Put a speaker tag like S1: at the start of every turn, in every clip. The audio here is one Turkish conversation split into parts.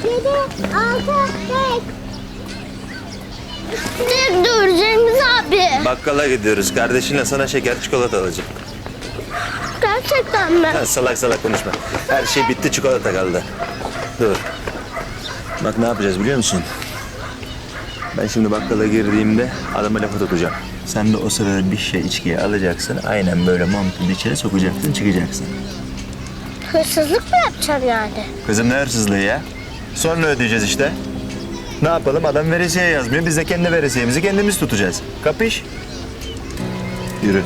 S1: 7, 6, 5. Ne dur Cengiz abi?
S2: Bakkala gidiyoruz. Kardeşinle sana şeker çikolata alacağım.
S1: Gerçekten mi?
S2: Ha, salak salak konuşma. Her şey bitti, çikolata kaldı. Dur. Bak ne yapacağız biliyor musun? Ben şimdi bakkala girdiğimde adama lafı tutacağım. Sen de o sırada bir şey içkiye alacaksın. Aynen böyle montumu içeri sokacaksın, çıkacaksın.
S1: Hırsızlık mı yapacaksın yani?
S2: Kızım ne hırsızlığı ya? Sonra ödeyeceğiz işte. Ne yapalım? Adam veresiye yazmıyor. Biz de kendi veresiyemizi kendimiz tutacağız. Kapış? Yürü.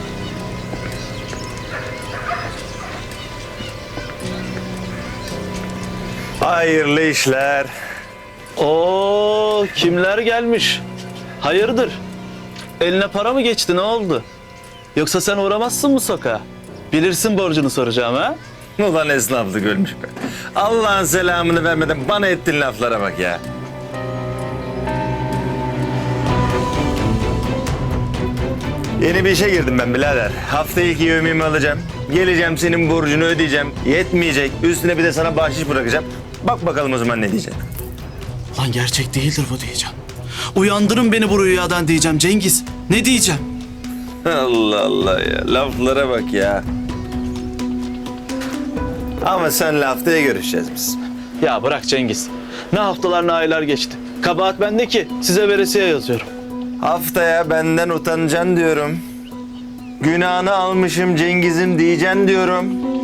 S2: Hayırlı işler.
S3: Oo, kimler gelmiş? Hayırdır? Eline para mı geçti, ne oldu? Yoksa sen uğramazsın mı sokağa? Bilirsin borcunu soracağım ha?
S2: Ulan esnaflık ölmüş be. Allah'ın selamını vermeden bana ettiğin laflara bak ya. Yeni bir işe girdim ben birader. Hafta ilk yevmiyemi alacağım. Geleceğim senin borcunu ödeyeceğim. Yetmeyecek. Üstüne bir de sana bahşiş bırakacağım. Bak bakalım o zaman ne diyeceksin.
S3: Lan gerçek değildir bu diyeceğim. Uyandırın beni bu rüyadan diyeceğim Cengiz. Ne diyeceğim?
S2: Allah Allah ya. Laflara bak ya. Ama senle haftaya görüşeceğiz biz.
S3: Ya bırak Cengiz. Ne haftalar ne aylar geçti. Kabahat bende ki size veresiye yazıyorum.
S2: Haftaya benden utanacaksın diyorum. Günahını almışım Cengiz'im diyeceksin diyorum.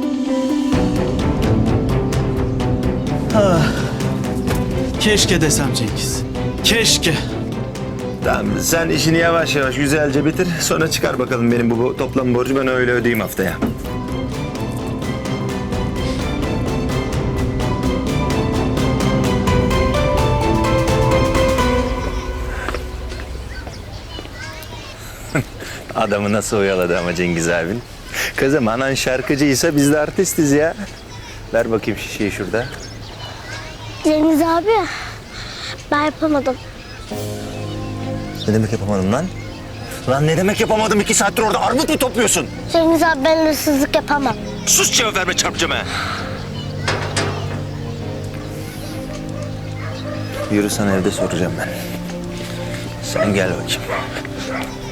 S3: Keşke desem Cengiz. Keşke.
S2: Tamam sen işini yavaş yavaş güzelce bitir. Sonra çıkar bakalım benim bu toplam borcu ben öyle ödeyeyim haftaya. Adamı nasıl oyaladı ama Cengiz abin. Kızım anan şarkıcıysa biz de artistiz ya. Ver bakayım şişeyi şurada.
S1: Cengiz abi, ben yapamadım.
S2: Ne demek yapamadım lan? Lan ne demek yapamadım? 2 saattir orada armut mu topluyorsun?
S1: Cengiz abi ben hırsızlık yapamam.
S2: Sus cevap verme çarpacağım ha. Yürü sana evde soracağım ben. Sen gel bakayım.